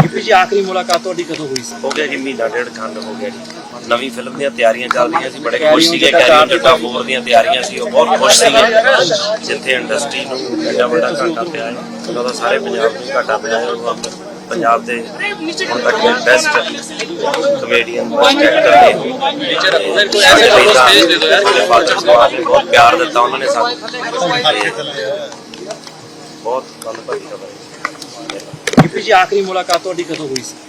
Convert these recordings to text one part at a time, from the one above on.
जी आखिरी मुलाकात ਤੁਹਾਡੀ ਕਦੋਂ ਹੋਈ ਸੀ? हो गया जी महीना डेढ़ खंड हो गया जी। नवी फिल्म ਦੀਆਂ ਤਿਆਰੀਆਂ ਚੱਲ ਰਹੀਆਂ ਸੀ, ਬੜੇ ਖੁਸ਼ ਸੀਗੇ। ਕੈਰੀਅਰ ਜੱਟਾ 4 ਦੀਆਂ ਤਿਆਰੀਆਂ ਸੀ, ਉਹ ਬਹੁਤ ਖੁਸ਼ ਸੀਗੇ। ਜਿੱਥੇ ਇੰਡਸਟਰੀ ਨੂੰ ਐਡਾ ਵੱਡਾ ਘਾਟਾ ਪਿਆ ਹੈ, ਉਹਦਾ ਸਾਰੇ ਪੰਜਾਬ ਨੂੰ ਘਾਟਾ ਪਿਆ ਹੈ। ਉਹ ਪੰਜਾਬ ਦੇ ਹੁਣ ਤੱਕ ਦੇ ਬੈਸਟ ਕਮੇਡੀਅਨ ਬੈਸਟ ਐਕਟਰ ਨੇ ਬਹੁਤ ਪਿਆਰ ਦਿੱਤਾ ਉਹਨਾਂ ਨੇ ਸਾਨੂੰ। ਬਹੁਤ ਧੰਨਵਾਦੀ ਖਬਰ ਹੈ। ਗਿੱਪੀ ਜੀ ਆਖਰੀ ਮੁਲਾਕਾਤ ਤੁਹਾਡੀ ਕਦੋਂ ਹੋਈ ਸੀ?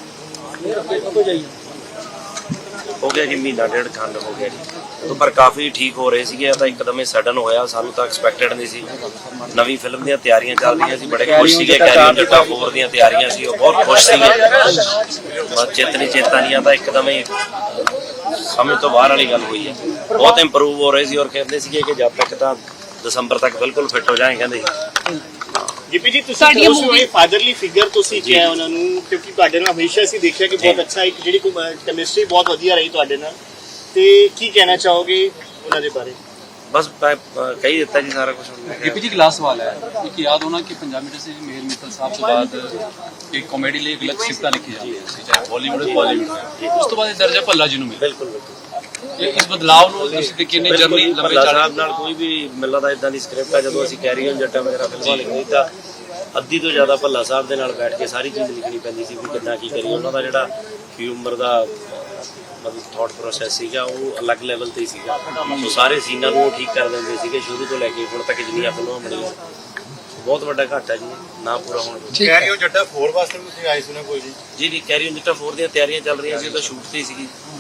ਹੋ ਗਿਆ ਜੀ ਮਹੀਨਾ ਡੇਢ ਖੰਡ ਹੋ ਗਿਆ ਜੀ। ਉਦੋਂ ਪਰ ਕਾਫੀ ਠੀਕ ਹੋ ਰਹੇ ਸੀਗੇ, ਤਾਂ ਇੱਕਦਮ ਹੀ ਸਡਨ ਹੋਇਆ, ਸਾਨੂੰ ਤਾਂ ਐਕਸਪੈਕਟਡ ਨਹੀਂ ਸੀ। ਨਵੀਂ ਫਿਲਮ ਦੀਆਂ ਤਿਆਰੀਆਂ ਚੱਲ ਰਹੀਆਂ ਸੀ, ਬੜੇ ਖੁਸ਼ ਸੀਗੇ। ਕੈਰੀਅਰ ਜੱਟਾ 4 ਦੀਆਂ ਤਿਆਰੀਆਂ ਸੀ, ਉਹ ਬਹੁਤ ਖੁਸ਼ ਸੀਗੇ। ਬਸ ਚੇਤਾ ਨਹੀਂ ਤਾਂ ਇੱਕਦਮ ਹੀ ਸਮਝ ਤੋਂ ਬਾਹਰ ਵਾਲੀ ਗੱਲ ਹੋਈ ਹੈ। ਬਹੁਤ ਇੰਪਰੂਵ ਹੋ ਰਹੇ ਸੀ ਔਰ ਕਹਿੰਦੇ ਸੀਗੇ ਕਿ ਜਦ ਤੱਕ ਤਾਂ ਦਸੰਬਰ ਤੱਕ ਬਿਲਕੁਲ ਫਿੱਟ ਹੋ ਜਾਏ ਕਹਿੰਦੇ। ਗਿੱਪੀ ਜੀ ਤੁਸੀਂ ਉਸ ਫਾਦਰਲੀ ਫਿਗਰ ਤੁਸੀਂ ਕਿਹਾ ਉਹਨਾਂ ਨੂੰ, ਕਿਉਂਕਿ ਤੁਹਾਡੇ ਨਾਲ ਹਮੇਸ਼ਾ ਅਸੀਂ ਦੇਖਿਆ ਕਿ ਬਹੁਤ ਅੱਛਾ ਇੱਕ ਜਿਹੜੀ ਕੈਮਿਸਟਰੀ ਬਹੁਤ ਵਧੀਆ ਰਹੀ ਤੁਹਾਡੇ ਨਾਲ, ਤੇ ਕੀ ਕਹਿਣਾ ਚਾਹੋਗੇ ਉਹਨਾਂ ਦੇ ਬਾਰੇ? बस कही देता जी सारा कुछ। गिप्पी जी लास्ट सवाल है, एक याद होना कि पंजाबी इंडस्ट्री में मेहर मित्तल साहब के बाद एक कॉमेडी लिए एक अलग सिफ्तां लिखी जाती है, चाहे बॉलीवुड हो बॉलीवुड, उस तो बाद दर्जा भल्ला जी ਨੂੰ ਮਿਲਿਆ। ਬਿਲਕੁਲ ਇਸ ਬਦਲਾਅ ਨੂੰ ਤੁਸੀਂ ਤੇ ਕਿੰਨੇ ਜਰਨੀ ਲੰਬੇ ਚਾਲ ਨਾਲ ਕੋਈ ਵੀ ਮਿਲਦਾ ਦਾ ਇਦਾਂ ਦੀ ਸਕ੍ਰਿਪਟ ਆ। ਜਦੋਂ ਅਸੀਂ ਕੈਰੀਅਰ ਜੱਟਾ ਵਗੈਰਾ ਫਿਲਮਾਂ ਲਿਖੀ ਤਾਂ ਅੱਧੀ ਤੋਂ ਜ਼ਿਆਦਾ ਭੱਲਾ ਸਾਹਿਬ ਦੇ ਨਾਲ ਬੈਠ ਕੇ ਸਾਰੀ ਚੀਜ਼ ਲਿਖਣੀ ਪੈਂਦੀ ਸੀ ਵੀ ਕਿੱਦਾਂ ਕੀ ਕਰੀਏ। ਉਹਨਾਂ ਦਾ ਜਿਹੜਾ ਹਿਊਮਰ ਦਾ ਮਤਲਬ ਥਾਟ ਪ੍ਰੋਸੈਸ ਸੀਗਾ ਉਹ ਅਲੱਗ ਲੈਵਲ ਤੇ ਹੀ ਸੀਗਾ। ਸੋ ਸਾਰੇ ਸੀਨਾਂ ਨੂੰ ਉਹ ਠੀਕ ਕਰ ਦਿੰਦੇ ਸੀਗੇ ਸ਼ੁਰੂ ਤੋਂ ਲੈ ਕੇ ਹੁਣ ਤੱਕ ਜਿੰਨੀਆਂ ਫਿਲਮਾਂ ਬਣੀਆਂ। ਬਹੁਤ ਵੱਡਾ ਘਾਟਾ ਜੀ ਨਾ ਪੂਰਾ ਹੋਣ। ਕੈਰੀਅਰ ਜੱਟਾ 4 ਵਾਸਤੇ ਵੀ ਤੁਸੀਂ ਆਏ ਸੀ ਨਾ ਕੋਈ ਜੀ? ਜੀ ਕੈਰੀਅਰ ਜੱਟਾ 4 ਦੀਆਂ ਤਿਆਰੀਆਂ ਚੱਲ ਰਹੀਆਂ ਸੀ, ਉਹ ਤਾਂ ਸ਼ੂਟ ਤੇ ਹੀ ਸੀਗੀ।